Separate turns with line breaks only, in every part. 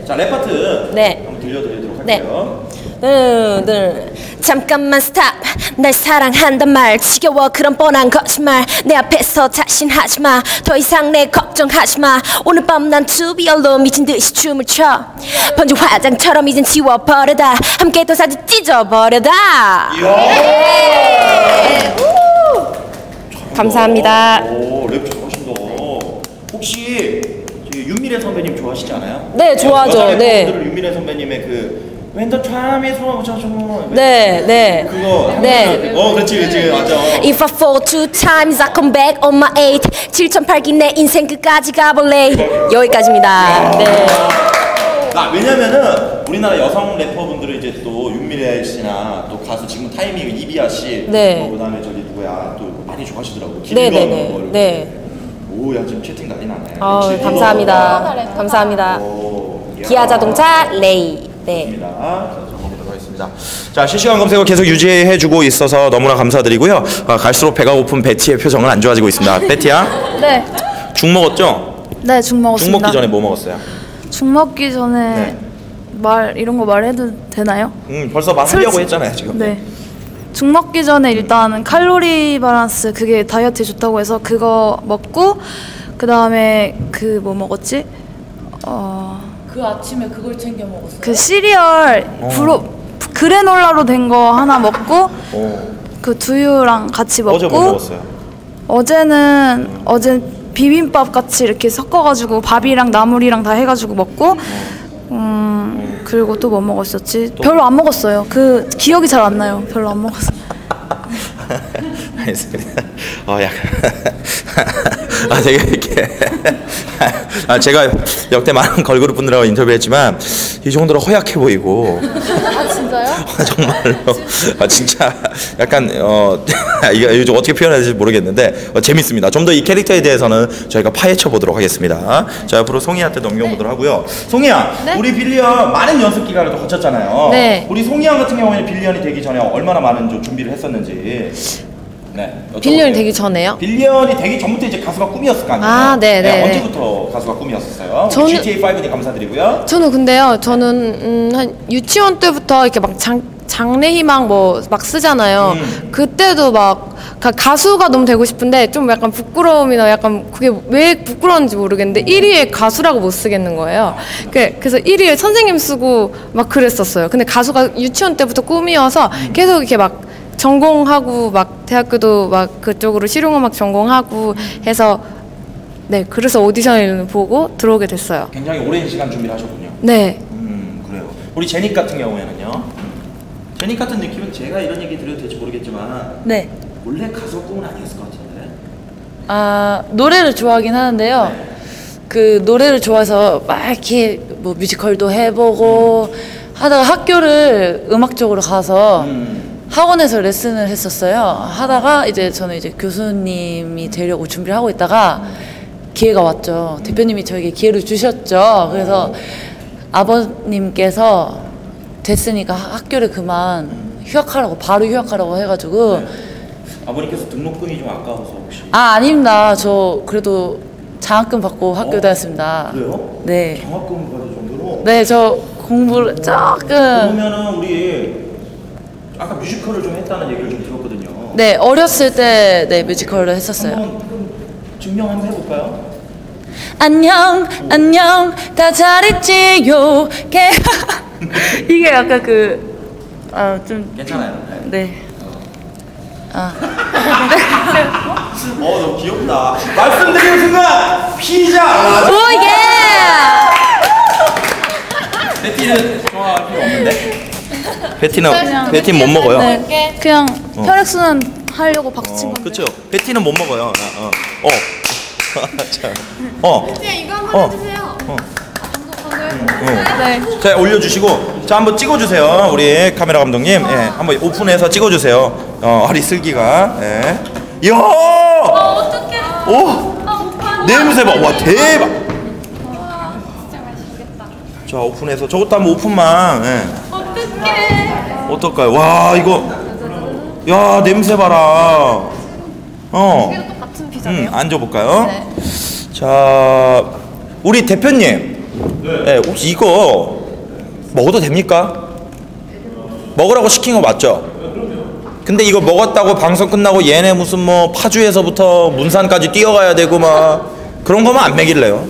자, 랩 파트
네.
한번 들려드리도록 할게요.
잠깐만 스탑. 날 사랑한단 말 지겨워 그런 뻔한 거짓말. 내 앞에서 자신하지마. 더 이상 내 걱정하지마. 오늘 밤 난 투비얼로 미친 듯이 춤을 춰. 번지 화장처럼 이젠 지워버려다. 함께 또 사진 찢어버려다. 감사합니다.
오, 랩 잘하신다. 혹시 윤미래 선배님 좋아하시지 않아요?
네, 좋아하죠. 네.
윤미래 선배님의 그 When the time is wrong,
네, 네.
그거
네.
그렇지, 맞아.
If I fall two times, I come back on my eight. 7008기 내 인생 끝까지 가볼래. 여기까지입니다. 네.
왜냐면은 우리나라 여성 래퍼분들은 이제 또 윤미래 씨나 또 가수 지금 타이밍 이비아 씨,
네.
그다음에 저기 누구야 또 많이 좋아하시더라고.
네네네. 네.
오, 야 지금 채팅 난리 나네.
감사합니다. 감사합니다. 기아 자동차 레이. 네.
자, 정보도록 하겠습니다. 자, 실시간 검색어 계속 유지해주고 있어서 너무나 감사드리고요. 갈수록 배가 고픈 베티의 표정은 안 좋아지고 있습니다. 베티야?
네.
죽 먹었죠?
네, 죽 먹었습니다.
죽 먹기 전에 뭐 먹었어요?
죽 먹기 전에 이런 거 말해도 되나요?
벌써 말하려고 했잖아요 지금.
네. 죽 먹기 전에 일단 칼로리 밸런스 그게 다이어트에 좋다고 해서 그거 먹고 그 다음에 그 뭐 먹었지?
그 아침에 그걸 챙겨 먹었어요.
그 시리얼 그래놀라로 된 거 하나 먹고 그 두유랑 같이 먹고.
어제 뭐 먹었어요?
어제 비빔밥 같이 이렇게 섞어가지고 밥이랑 나물이랑 다 해가지고 먹고. 그리고 또 뭐 먹었었지? 별로 안 먹었어요. 그 기억이 잘 안 나요. 별로 안 먹었어요.
알겠습니다. 약간 되게 이렇게 제가 역대 많은 걸그룹 분들하고 인터뷰했지만 이 정도로 허약해 보이고.
아 진짜요?
정말로 진짜 약간 이거 요즘 어떻게 표현해야 될지 모르겠는데 재밌습니다. 좀 더 이 캐릭터에 대해서는 저희가 파헤쳐 보도록 하겠습니다. 자, 앞으로 송이한테 넘겨보도록 하고요. 송이야, 네? 우리 빌리언 많은 연습 기간을 또 거쳤잖아요.
네.
우리 송이양 같은 경우에는 빌리언이 되기 전에 얼마나 많은 좀 준비를 했었는지. 네.
빌리언이 되기 전에요?
빌리언이 되기 전부터 이제 가수가 꿈이었을 거 아니에요?
아, 네네.
언제부터 가수가 꿈이었었어요?
저는
GTA5님 감사드리고요.
저는 근데요, 저는 한 유치원 때부터 이렇게 막 장래희망 뭐 막 쓰잖아요. 그때도 막 가수가 너무 되고 싶은데 좀 약간 부끄러움이나 약간 그게 왜 부끄러운지 모르겠는데 1위에 가수라고 못 쓰겠는 거예요. 그래서 1위에 선생님 쓰고 막 그랬었어요. 근데 가수가 유치원 때부터 꿈이어서 계속 이렇게 막 전공하고 막 대학교도 막 그쪽으로 실용음악 전공하고 해서 네, 그래서 오디션을 보고 들어오게 됐어요.
굉장히 오랜 시간 준비를 하셨군요.
네.
그래요. 우리 제닉 같은 경우에는요. 제닉 같은 느낌은 제가 이런 얘기 드려도 될지 모르겠지만
네.
원래 가수 꿈은 아니었을 것 같은데.
노래를 좋아하긴 하는데요.
네.
그 노래를 좋아해서 막 이렇게 뭐 뮤지컬도 해보고 하다가 학교를 음악적으로 가서 학원에서 레슨을 했었어요. 하다가 이제 저는 이제 교수님이 되려고 준비를 하고 있다가 기회가 왔죠. 대표님이 저에게 기회를 주셨죠. 그래서 아버님께서 됐으니까 학교를 그만 휴학하라고, 바로 휴학하라고 해가지고.
네. 아버님께서 등록금이 좀 아까워서 혹시?
아닙니다. 저 그래도 장학금 받고 학교 다녔습니다.
그래요?
네.
장학금 받을 정도로?
네, 저 공부를 조금.
그러면은 우리 아까 뮤지컬을 좀 했다는 얘기를 좀 들었거든요.
네, 어렸을 때 네, 뮤지컬을 했었어요.
한번 증명 한번 해볼까요?
안녕, 안녕, 다 잘했지요. 이게 약간 좀.
괜찮아요.
네.
너무 귀엽다. 말씀드리는 순간 피자.
오 예!
베티는 좋아할 필요 없는데. 베티는 못 먹어요.
네, 그냥 혈액순환 하려고 박친 건데.
그렇죠. 베티는 못 먹어요. 자,
베티야 이거 한번 해주세요.
네. 자, 올려주시고, 자, 한번 찍어주세요. 우리 카메라 감독님, 예, 한번 오픈해서 찍어주세요. 허리 슬기가, 예. 이야!
어떡해.
오! 냄새 봐. 와, 대박!
진짜 맛있겠다.
자, 오픈해서 저것도 한번 오픈만. 예.
어떡해.
어떨까요? 와, 이거, 야, 냄새 봐라.
이게 똑같은 피자네요.
앉아볼까요?
네.
자, 우리 대표님. 네, 혹시 이거 먹어도 됩니까? 먹으라고 시킨 거 맞죠? 근데 이거 먹었다고 방송 끝나고 얘네 무슨 뭐 파주에서부터 문산까지 뛰어가야 되고 막 그런 거면 안 먹일래요.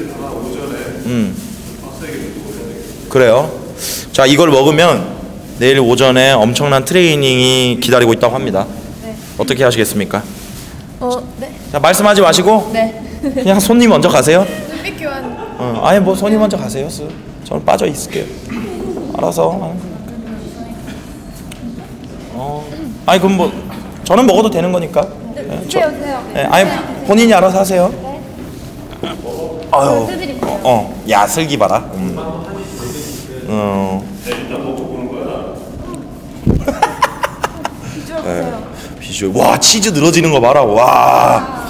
그래요. 자, 이걸 먹으면 내일 오전에 엄청난 트레이닝이 기다리고 있다고 합니다. 어떻게 하시겠습니까?
네.
자, 말씀하지 마시고 그냥 손님 먼저 가세요.
눈빛 교환.
아니 뭐 손님 먼저 가세요. 저는 빠져 있을게요. 알아서. 아니 그럼 뭐 저는 먹어도 되는 거니까.
드세요.
아니 본인이 알아서 하세요. 아유. 야 슬기 봐라. 비주얼. 와 치즈 늘어지는 거 봐라. 와.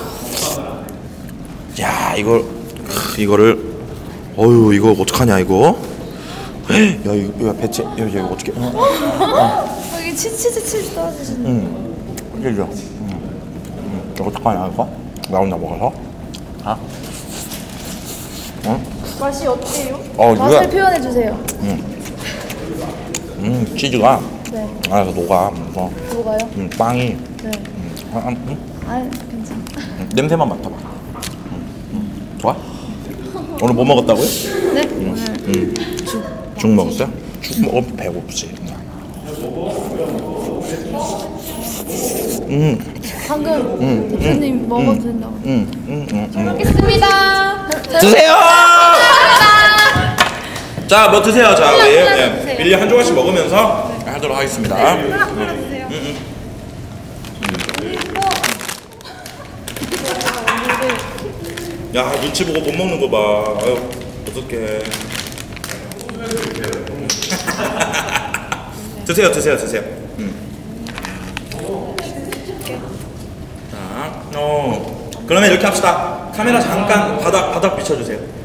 야 이거를 어유 이거 어떡하냐 이거. 야 이거 배째 이거 어떻게?
여기 치즈 떨어지시네.
흘려. 이거 어떡하냐 이거? 나 혼자 먹어서. 아?
맛이 어때요?
누가?
맛을 표현해 주세요.
치즈가
네.
안에서 녹아.
뭐가요?
빵이.
네.
아,
아, 괜찮아.
냄새만 맡아봐. 좋아? 오늘 뭐 먹었다고요?
네. 오늘
죽 먹었어요? 죽 먹어 배고프지.
방금 대표님 먹어도 된다고.
먹겠습니다.
드세요. 자, 뭐 드세요. 자, 우리 밀리 한 조각씩 먹으면서 하도록 하겠습니다. 야, 눈치 보고 못 먹는 거 봐. 아유, 어떡해. 드세요. 자, 그러면 이렇게 합시다. 카메라 잠깐 바닥 비춰주세요.